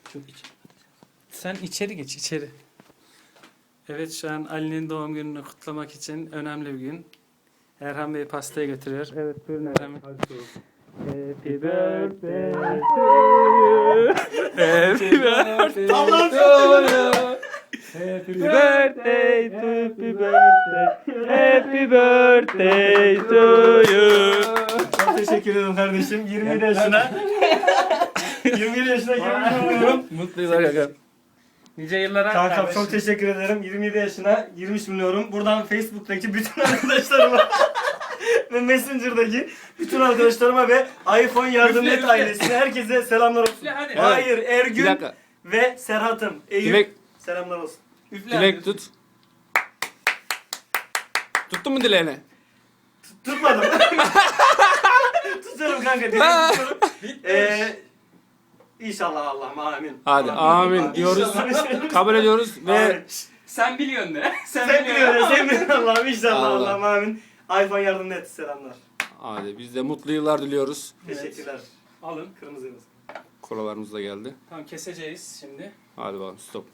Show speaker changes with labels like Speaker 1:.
Speaker 1: Çok içeri. Sen içeri geç, içeri. Evet, şu an Ali'nin doğum gününü kutlamak için önemli bir gün. Erhan Bey pastayı götürüyor. Evet, buyurun Erhan Bey.
Speaker 2: Hadi sorun.
Speaker 1: Happy birthday to you. Happy birthday to you. Happy birthday, happy birthday, happy birthday to you.
Speaker 2: Çok teşekkür ederim kardeşim. 27 yaşına. 27 yaşına girmiş bulunuyorum.
Speaker 1: Mutlu yıllar kanka. Nice yıllara
Speaker 2: Kankam
Speaker 1: kardeşim.
Speaker 2: çok teşekkür ederim. 27 yaşına girmiş bulunuyorum. Buradan Facebook'taki bütün arkadaşlarıma ve Messenger'daki bütün arkadaşlarıma ve iPhone Yardım
Speaker 1: Üfle,
Speaker 2: Et
Speaker 1: üfle.
Speaker 2: ailesine herkese selamlar olsun.
Speaker 1: Üfle, hadi.
Speaker 2: Hayır,
Speaker 3: Bir
Speaker 2: Ergün
Speaker 3: dakika.
Speaker 2: ve Serhat'ım. Eyüp
Speaker 3: Dilek,
Speaker 2: selamlar olsun.
Speaker 1: Üfle
Speaker 3: dilek
Speaker 1: hadi.
Speaker 3: tut. Tuttun mu dileğini?
Speaker 2: Tutmadım. Tutuyorum kanka. Dilek tutuyorum. İnşallah Allah'ım amin.
Speaker 3: Hadi amin diyoruz.
Speaker 2: İnşallah.
Speaker 3: Kabul ediyoruz ve
Speaker 2: Amin.
Speaker 1: Sen biliyorsun de.
Speaker 2: Sen biliyorsun, sen biliyorsun Allah'ım inşallah
Speaker 3: Allah.
Speaker 2: Allah'ım amin. iPhone Yardım Et selamlar.
Speaker 3: hadi biz de mutlu yıllar diliyoruz.
Speaker 2: Teşekkürler.
Speaker 1: Alın.
Speaker 2: Kırmızı yıldız.
Speaker 3: Kolalarımız da geldi.
Speaker 1: Tamam, keseceğiz şimdi.
Speaker 3: Hadi bakalım stop.